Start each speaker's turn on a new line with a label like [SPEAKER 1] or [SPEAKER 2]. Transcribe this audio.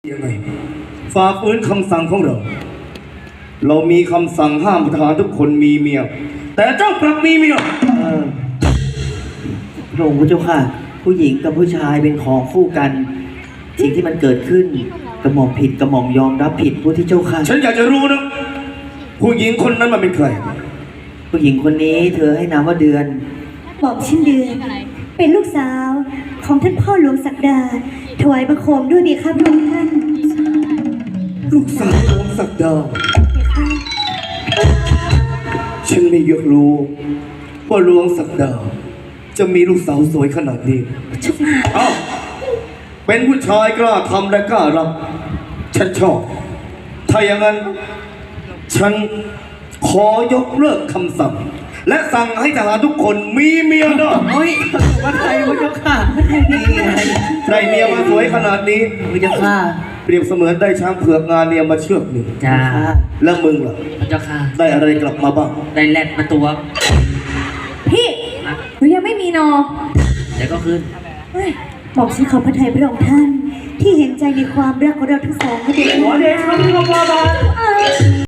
[SPEAKER 1] ยังไงฝ่าฝืนคำสั่งของเรา เรามีคำสั่งห้ามทหารทุกคนมีเมียแต่เจ้ากลับมีเมีย
[SPEAKER 2] พระองค์พระเจ้าค่ะ ผู้หญิงกับผู้ชายเป็นของคู่กัน สิ่งที่มันเกิดขึ้นกระหม่อมผิดกระหม่อมยอมรับผิดผู้ที่เจ้าค่ะ
[SPEAKER 1] ฉันอยากจะรู้นะผู้หญิงคนนั้นมันเป็นใคร
[SPEAKER 2] ผู้หญิงคนนี้เธอให้นามว่าเดือน
[SPEAKER 3] บอกชื่อเดือนเป็นลูกสาวของท่านพ่อหลวงศักดาถวายบังคมด้วยดีค่ะพระองค์ท่าน
[SPEAKER 1] ลูกสาวของศักดาฉันไม่อยากรู้ว่าหลวงศักดาจะมีลูกสาวสวยขนาดนี้เอ้าเป็นผู้ชายกล้าทำและกล้ารับฉันชอบถ้าอย่างนั้นฉันขอยกเลิกคำสั่งและสั่งให้ทหารทุกคนมีเมียได้
[SPEAKER 2] เฮ้ยวัดไทยพระเจ้าค่ะวัดไทยนี่ไง
[SPEAKER 1] ได้เมียมาสวยขนาดนี้
[SPEAKER 2] พระเจ้าค่ะ
[SPEAKER 1] เปรียบเสมือนได้ช้างเผือกงานเนียมาเชือกหนึ่ง
[SPEAKER 4] จ้า
[SPEAKER 1] แล้วมึงล่ะ
[SPEAKER 4] พระเจ้าค่ะ
[SPEAKER 1] ได้อะไรกลับมาบ้าง
[SPEAKER 4] ได้แลดมาตัว
[SPEAKER 3] พี่หนูยังไม่มีนอ
[SPEAKER 4] เดี๋ยวก็ขึ้น
[SPEAKER 3] เฮ้ยบอกฉันขอพระทัยพระองค์ท่าน ที่เห็นใจในความรักของเราทั้งสองนะเด็ก
[SPEAKER 1] ขอเดชะพระบาท